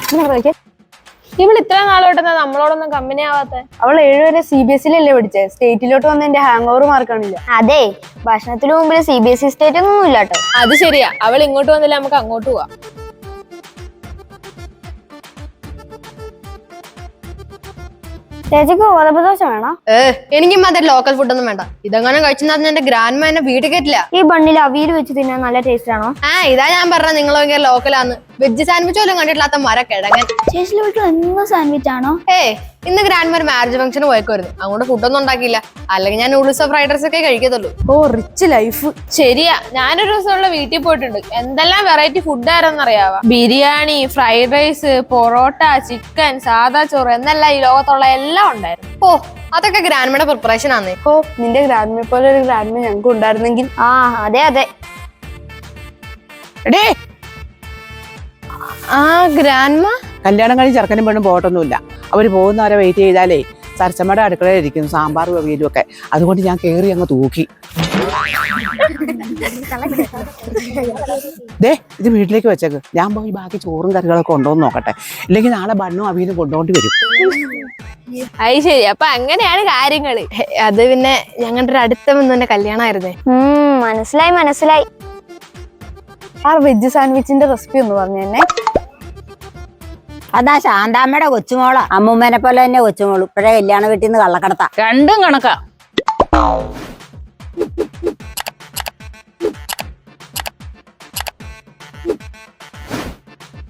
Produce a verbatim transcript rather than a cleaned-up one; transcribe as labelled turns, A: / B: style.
A: ഇവൾ ഇത്ര നാളോട്ടെന്നാ നമ്മളോടൊന്നും കമ്പനി ആവാത്ത?
B: അവൾ ഏഴുവരെ സി ബി എസ് ഇലല്ലേ പഠിച്ചത്. സ്റ്റേറ്റിലോട്ട് വന്ന എന്റെ ഹാങ് ഓവർ മാർക്കാണില്ല.
C: അതെ, ഭക്ഷണത്തിന് മുമ്പിൽ C B S E state ഒന്നും ഇല്ല കേട്ടോ.
A: അത് ശരിയാ, അവൾ ഇങ്ങോട്ട് വന്നില്ല, നമുക്ക് അങ്ങോട്ട് പോവാം.
C: ചേച്ചിക്ക് ഗോതമ്പദോശ വേണോ?
D: ഏ എനിക്കും അതെ ലോക്കൽ ഫുഡൊന്നും വേണ്ട. ഇതെങ്ങനെ കഴിച്ചെന്ന് എന്റെ ഗ്രാൻഡ് മാ എന്നെ വീട്ടിൽ കയറ്റില്ല.
C: ഈ ബണ്ണിൽ അവിയൽ വെച്ച് തിന്നാൻ നല്ല ടേസ്റ്റ് ആണോ?
D: ആ ഇതാ ഞാൻ പറഞ്ഞ നിങ്ങൾ ഭയങ്കര ലോക്കലാന്ന്. വെജ് സാൻഡ്വിച്ച് പോലും കണ്ടിട്ടില്ലാത്ത മര കിഴങ്ങൻ.
C: ചേച്ചിയുടെ വീട്ടിൽ എന്നും സാൻഡ്വിച്ച് ആണോ?
D: ഏ ഇന്ന് ഗ്രാൻഡ് മാ ഒരു മാരേജ് ഫംഗ്ഷന് പോയേക്കുമായിരുന്നു. അങ്ങോട്ട് ഫുഡൊന്നും ഉണ്ടാക്കിയില്ല. അല്ലെങ്കിൽ ഞാൻ നൂഡിൽസോ ഫ്രൈഡ് റൈസ് ഒക്കെ കഴിക്കത്തുള്ളൂ.
B: ഓ റിച്ച് ലൈഫ്.
A: ശരിയാ, ഞാനൊരു ദിവസമുള്ള വീട്ടിൽ പോയിട്ടുണ്ട്. എന്തെല്ലാം വെറൈറ്റി ഫുഡ് ആരെന്നറിയാവാ. Biryani, fried rice, parotta, chicken, സാദാ ചോറ് എന്നല്ല ഈ ലോകത്തുള്ള എല്ലാം ഉണ്ടായിരുന്നു.
D: ഓ അതൊക്കെ ഗ്രാൻഡ് മായുടെ പ്രിപ്പറേഷൻ ആന്നേ.
B: ഓ നിന്റെ ഗ്രാൻഡ്മയെ പോലെ ഒരു ഗ്രാൻഡ്മ ഞങ്ങൾക്ക് ഉണ്ടായിരുന്നെങ്കിൽ.
C: ആ അതെ അതെ.
E: എടേ
D: ആ ഗ്രാൻഡ് മാ
E: കല്യാണം കഴിഞ്ഞ് ചെറുക്കനും പെണ്ണും പോകട്ടൊന്നുമില്ല. അവർ പോകുന്നവരെ വെയിറ്റ് ചെയ്താലേ സരസമ്മയുടെ അടുക്കളയിൽ ഇരിക്കുന്നു സാമ്പാറും അവിയലും ഒക്കെ. അതുകൊണ്ട് ഞാൻ കയറി അങ്ങ് തൂക്കി. ദേ ഇത് വീട്ടിലേക്ക് വെച്ചേക്ക്. ഞാൻ പോയി ബാക്കി ചോറും കറികളൊക്കെ ഉണ്ടോന്ന് നോക്കട്ടെ. ഇല്ലെങ്കിൽ നാളെ ബണ്ണും അവിയലും കൊണ്ടുകൊണ്ട് വരും.
A: അത് ശരി, അപ്പൊ അങ്ങനെയാണ് കാര്യങ്ങള്.
D: അത് പിന്നെ ഞങ്ങളുടെ ഒരു അടുത്ത ബന്ധുവിന്റെ കല്യാണമായിരുന്നേ.
C: ഉം മനസ്സിലായി മനസ്സിലായി.
B: ആ വെജ് സാൻഡ്വിച്ചിന്റെ റെസിപ്പി ഒന്ന് പറഞ്ഞു തന്നെ.
F: അതാ ശാന്താമ്മയുടെ കൊച്ചുമോളാ. അമ്മൂമ്മേനെ പോലെ തന്നെ കൊച്ചുമോള്. ഇപ്പഴേ കല്യാണ വീട്ടിൽ നിന്ന് കള്ളക്കടത്താ.
G: രണ്ടും കണക്കാ.